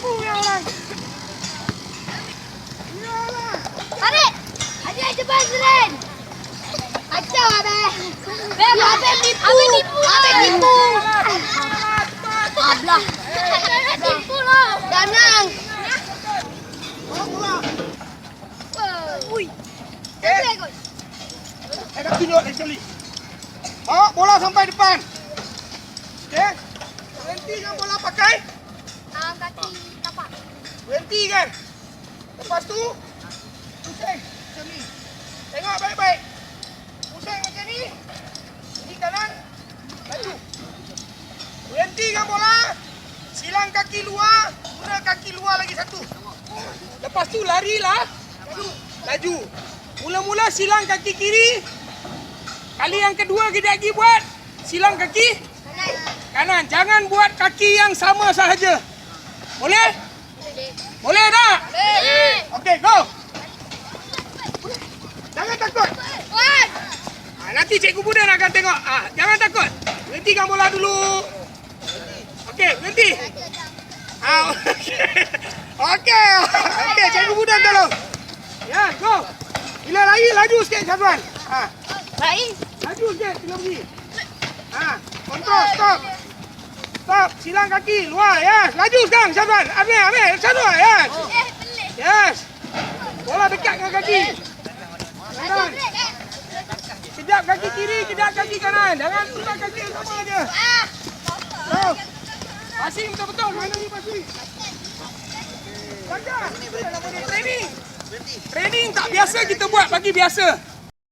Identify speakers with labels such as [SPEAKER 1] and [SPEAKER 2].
[SPEAKER 1] Tipu ya orang.
[SPEAKER 2] Tarik. Adik cepat Zren. Kacau abang. Abang tipu. Abang tipu. Ablah. Tipu lah. Jangan. Ui.
[SPEAKER 1] Dah tunjuk lagi sekali. Bawa bola sampai depan. Okey. Berhenti kan bola pakai?
[SPEAKER 2] Kaki tapak.
[SPEAKER 1] Berhenti kan? Lepas tu pusing macam ni. Tengok baik-baik. Pusing macam ni. Ini kanan. Laju. Berhenti kan bola. Silang kaki luar. Guna kaki luar lagi satu. Lepas tu larilah. Laju. Mula-mula silang kaki kiri. Kali yang kedua kita lagi buat silang kaki kanan. Jangan buat kaki yang sama sahaja. Boleh? Boleh tak?
[SPEAKER 2] Boleh.
[SPEAKER 1] Okey, go. Jangan takut. Nanti Cikgu Budan akan tengok. Jangan takut. Berhentikan bola dulu. Okey, berhenti. Okey. Okey, Cikgu Budan tolong. Ya, go. Bila lari, laju sikit Syazwan.
[SPEAKER 2] Baik.
[SPEAKER 1] Laju sikit, bila pergi. Kontrol, stop. Stop, silang kaki, luar, yes. Laju sekarang, Syazwan. Ambil, Syazwan, yes. Yes. Bola dekat dengan kaki. Kanan. Kejap kaki kiri, kejap kaki kanan. Jangan tukar kaki yang sama je. Go. Passing betul-betul, mana ni passing? Jaga. Training. Training tak biasa kita buat bagi biasa.